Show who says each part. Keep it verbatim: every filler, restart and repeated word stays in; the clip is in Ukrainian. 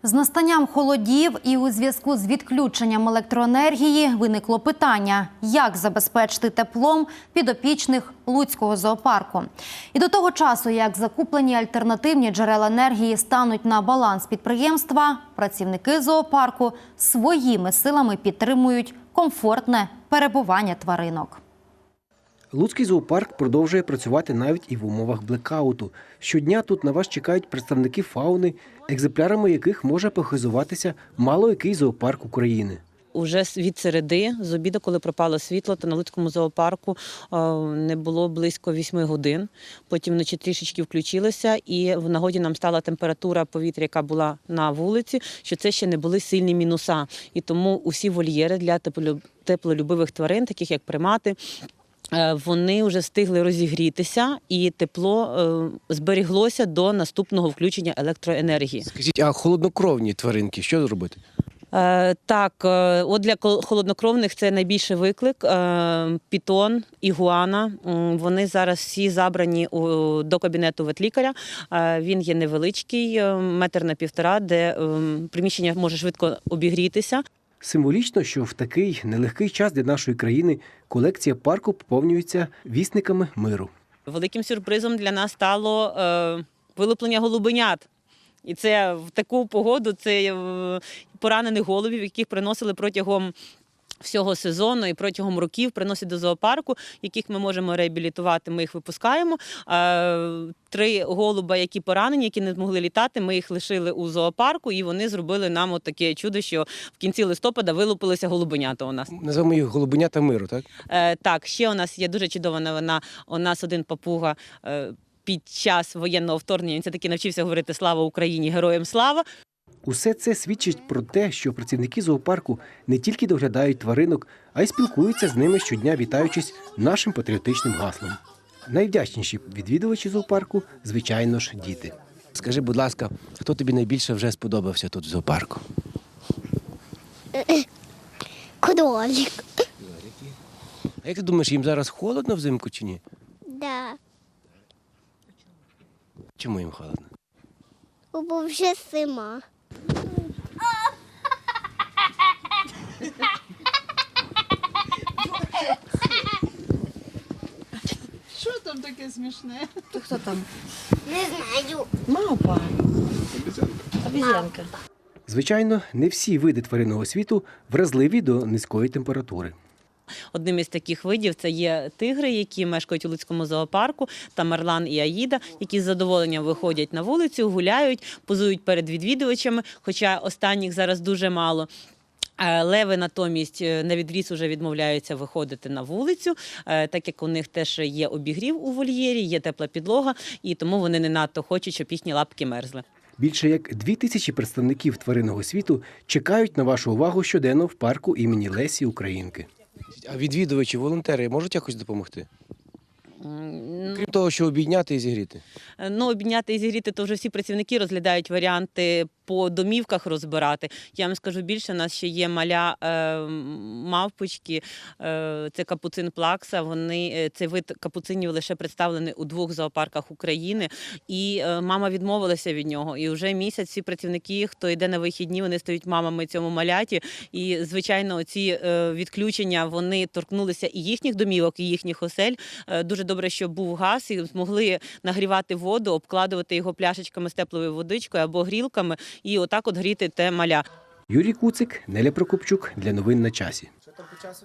Speaker 1: З настанням холодів і у зв'язку з відключенням електроенергії виникло питання, як забезпечити теплом підопічних Луцького зоопарку. І до того часу, як закуплені альтернативні джерела енергії стануть на баланс підприємства, працівники зоопарку своїми силами підтримують комфортне перебування тваринок.
Speaker 2: Луцький зоопарк продовжує працювати навіть і в умовах блекауту. Щодня тут на вас чекають представники фауни, екземплярами яких може похизуватися мало який зоопарк України.
Speaker 3: Уже від середи, з обіду, коли пропало світло, то на Луцькому зоопарку не було близько вісьми годин. Потім вночі трішечки включилося, і в нагоді нам стала температура повітря, яка була на вулиці, що це ще не були сильні мінуса. І тому усі вольєри для теплолюбивих тварин, таких як примати, вони вже встигли розігрітися, і тепло зберіглося до наступного включення електроенергії.
Speaker 2: Скажіть, а холоднокровні тваринки що зробити?
Speaker 3: Так, от для холоднокровних це найбільший виклик. Пітон, ігуана, вони зараз всі забрані до кабінету ветлікаря. Він є невеличкий, метр на півтора, де приміщення може швидко обігрітися.
Speaker 2: Символічно, що в такий нелегкий час для нашої країни колекція парку поповнюється вісниками миру.
Speaker 3: Великим сюрпризом для нас стало вилуплення голубенят. І це в таку погоду, це поранених голубів, яких приносили протягом всього сезону і протягом років приносять до зоопарку, яких ми можемо реабілітувати, ми їх випускаємо. Три голуба, які поранені, які не змогли літати, ми їх лишили у зоопарку, і вони зробили нам от таке чудо, що в кінці листопада вилупилися голубенята у нас.
Speaker 2: Називаємо їх голубенята миру, так?
Speaker 3: Так, ще у нас є дуже чудова новина. У нас один папуга під час воєнного вторгнення, він все-таки навчився говорити «Слава Україні! Героям слава!».
Speaker 2: Усе це свідчить про те, що працівники зоопарку не тільки доглядають тваринок, а й спілкуються з ними щодня, вітаючись нашим патріотичним гаслом. Найвдячніші відвідувачі зоопарку, звичайно ж, діти. Скажи, будь ласка, хто тобі найбільше вже сподобався тут в зоопарку?
Speaker 4: Кролик.
Speaker 2: А як ти думаєш, їм зараз холодно взимку чи ні?
Speaker 4: Да.
Speaker 2: Чому їм холодно?
Speaker 4: Бо вже зима.
Speaker 5: Що там таке смішне?
Speaker 6: То хто там?
Speaker 4: Не знаю.
Speaker 6: Мавпа. Обізянка.
Speaker 2: Звичайно, не всі види тваринного світу вразливі до низької температури.
Speaker 3: Одним із таких видів це є тигри, які мешкають у Луцькому зоопарку, та Марлан і Аїда, які з задоволенням виходять на вулицю, гуляють, позують перед відвідувачами, хоча останніх зараз дуже мало. Леви натомість на відріз вже відмовляються виходити на вулицю, так як у них теж є обігрів у вольєрі, є тепла підлога, і тому вони не надто хочуть, щоб їхні лапки мерзли.
Speaker 2: Більше як дві тисячі представників тваринного світу чекають на вашу увагу щоденно в парку імені Лесі Українки. А відвідувачі, волонтери можуть якось допомогти? Крім того, що обійняти і зігріти?
Speaker 3: Ну, обійняти і зігріти, то вже всі працівники розглядають варіанти по домівках розбирати. Я вам скажу більше, у нас ще є маля е, мавпочки, е, це капуцин плакса. Вони, цей вид капуцинів лише представлений у двох зоопарках України. І е, мама відмовилася від нього. І вже місяць всі працівники, хто йде на вихідні, вони стають мамами цьому маляті. І, звичайно, ці е, відключення, вони торкнулися і їхніх домівок, і їхніх осель. Е, дуже добре, що був газ, і змогли нагрівати воду, обкладувати його пляшечками з теплою водичкою або грілками, і отак от гріти те маля.
Speaker 2: Юрій Куцик, Неля Прокопчук для новин на часі.